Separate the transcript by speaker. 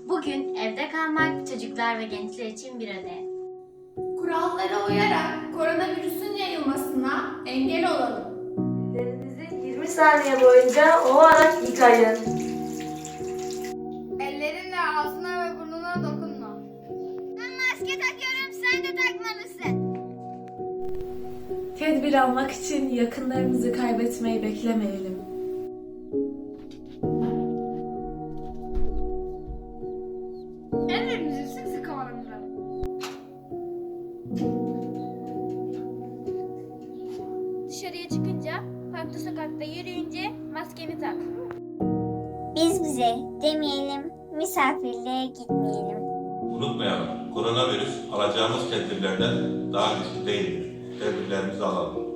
Speaker 1: Bugün evde kalmak çocuklar ve gençler için bir ödev.
Speaker 2: Kurallara uyarak koronavirüsün yayılmasına engel olalım.
Speaker 3: Ellerinizi 20 saniye boyunca ovarak yıkayın.
Speaker 2: Ellerinle ağzına ve burnuna dokunma.
Speaker 4: Ben maske takıyorum, sen de takmalısın.
Speaker 5: Tedbir almak için yakınlarımızı kaybetmeyi beklemeyelim.
Speaker 2: Ellerimizi sık sık havalandıralım.
Speaker 4: Dışarıya çıkınca, parkta sokakta yürüyünce maskeni tak. Biz bize demeyelim, misafirliğe gitmeyelim.
Speaker 6: Unutmayalım, koronavirüs alacağımız tedbirlerden daha güçlü değildir. Tedbirlerimizi alalım.